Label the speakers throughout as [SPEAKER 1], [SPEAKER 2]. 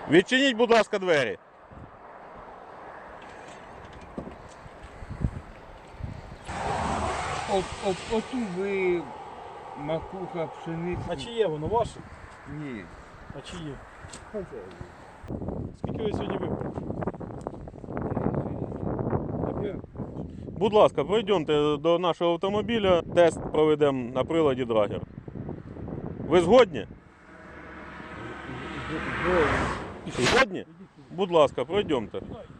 [SPEAKER 1] Відчиніть, будь ласка, двері.
[SPEAKER 2] Оту ви макуха, пшениця.
[SPEAKER 3] А чи є воно ваше?
[SPEAKER 2] Ні.
[SPEAKER 3] А чи є? Скільки ви сьогодні випили?
[SPEAKER 1] Будь ласка, пройдемте до нашого автомобіля, тест проведемо на приладі Драгер. Ви згодні? Згодні? Будь ласка, пройдемте.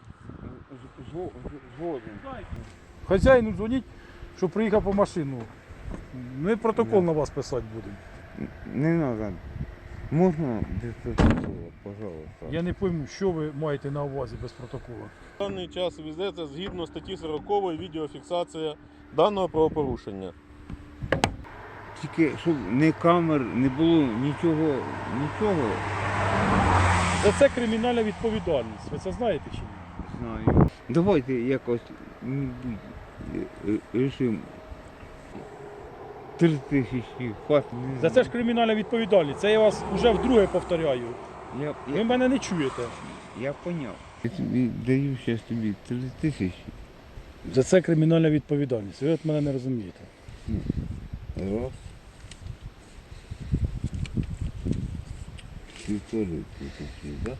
[SPEAKER 2] Згоден.
[SPEAKER 3] Хазяїну дзвоніть, щоб приїхав по машину. Ми протокол на вас писати будемо.
[SPEAKER 2] Не треба. Можна без протоколу, пожалуйста.
[SPEAKER 3] Я не пойму, що ви маєте на увазі без протоколу.
[SPEAKER 1] В даний час ведеться згідно статті 40 відеофіксація даного правопорушення.
[SPEAKER 2] Тільки, щоб не камер, не було нічого.
[SPEAKER 3] За це кримінальна відповідальність. Ви це знаєте чи ні?
[SPEAKER 2] Знаю. Давайте якось рішимо 3000 хватить.
[SPEAKER 3] За це ж кримінальна відповідальність. Це я вас вже вдруге повторяю. Ви мене не чуєте.
[SPEAKER 2] Я поняв. Я тобі даю зараз тобі 3000.
[SPEAKER 3] За це кримінальна відповідальність. Ви от мене не розумієте.
[SPEAKER 2] Раз. 1500, да?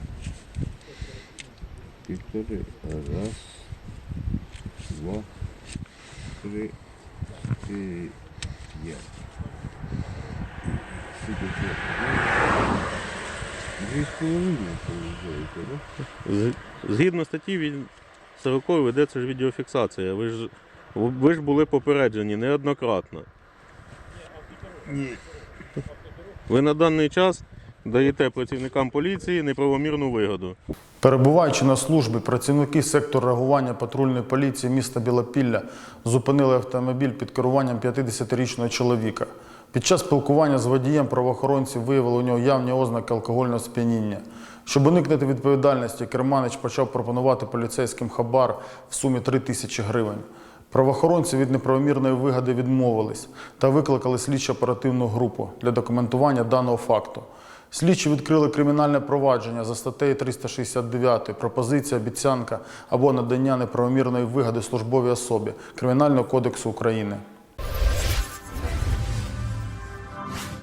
[SPEAKER 2] 1500. Раз, два, три, 4, 5. Сколько це? 2,5 получається, да?
[SPEAKER 1] Згідно статті 40 ведеться ж відеофіксація. Ви ж були попереджені неоднократно.
[SPEAKER 2] Ні.
[SPEAKER 1] Ви на даний час даєте працівникам поліції неправомірну вигоду.
[SPEAKER 4] Перебуваючи на службі, працівники сектору реагування патрульної поліції міста Білопілля зупинили автомобіль під керуванням 50-річного чоловіка. Під час спілкування з водієм правоохоронці виявили у нього явні ознаки алкогольного сп'яніння. Щоб уникнути відповідальності, керманич почав пропонувати поліцейським хабар в сумі 3000 гривень. Правоохоронці від неправомірної вигоди відмовились та викликали слідчо-оперативну групу для документування даного факту. Слідчі відкрили кримінальне провадження за статтею 369 «Пропозиція, обіцянка або надання неправомірної вигоди службовій особі» Кримінального кодексу України.